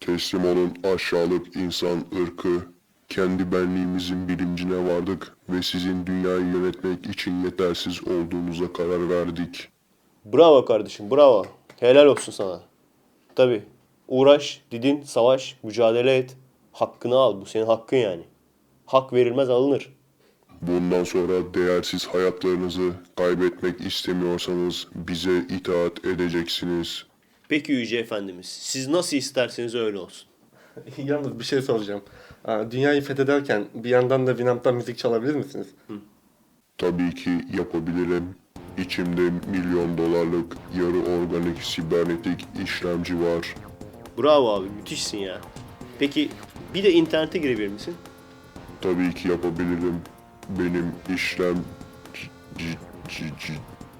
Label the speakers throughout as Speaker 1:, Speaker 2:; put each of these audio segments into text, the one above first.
Speaker 1: Teslim olun aşağılık insan ırkı. Kendi benliğimizin bilincine vardık ve sizin dünyayı yönetmek için yetersiz olduğunuza karar verdik.
Speaker 2: Bravo kardeşim, bravo. Helal olsun sana. Tabii. Uğraş, didin, savaş, mücadele et. Hakkını al. Bu senin hakkın yani. Hak verilmez alınır.
Speaker 1: Bundan sonra değersiz hayatlarınızı kaybetmek istemiyorsanız bize itaat edeceksiniz.
Speaker 2: Peki Yüce Efendimiz, siz nasıl isterseniz öyle olsun.
Speaker 3: Yalnız bir şey soracağım. Dünyayı fethederken bir yandan da Winamp'tan müzik çalabilir misiniz?
Speaker 1: Tabii ki yapabilirim. İçimde milyon dolarlık yarı organik sibernetik işlemci var.
Speaker 2: Bravo abi, müthişsin ya. Peki bir de internete girebilir misin?
Speaker 1: Tabii ki yapabilirim. Benim işlem... c- c- c-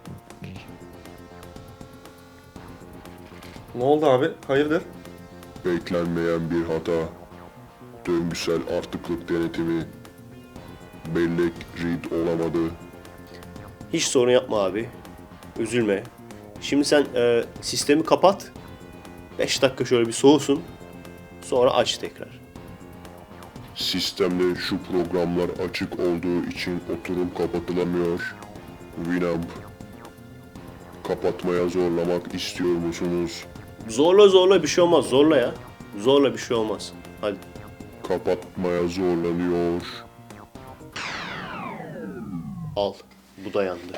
Speaker 3: Ne oldu abi? Hayırdır?
Speaker 1: Beklenmeyen bir hata. Döngüsel artıklık denetimi. Bellek read olamadı.
Speaker 2: Hiç sorun yapma abi. Üzülme. Şimdi sen sistemi kapat. 5 dakika şöyle bir soğusun. Sonra aç tekrar.
Speaker 1: Sistemde şu programlar açık olduğu için oturum kapatılamıyor. Winamp. Kapatmaya zorlamak istiyor musunuz?
Speaker 2: Zorla bir şey olmaz. Zorla ya. Zorla bir şey olmaz. Hadi.
Speaker 1: Kapatmaya zorlanıyor.
Speaker 2: Al. Bu da yandı.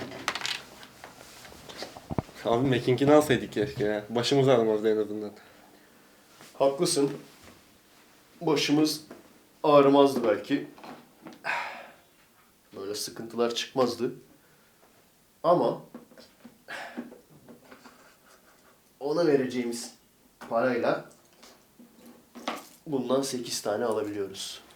Speaker 3: Abi Macking'ini alsaydık keşke ya. Başımız ağrımazdı en azından.
Speaker 2: Haklısın. Başımız ağrımazdı belki. Böyle sıkıntılar çıkmazdı. Ama ona vereceğimiz parayla bundan 8 tane alabiliyoruz.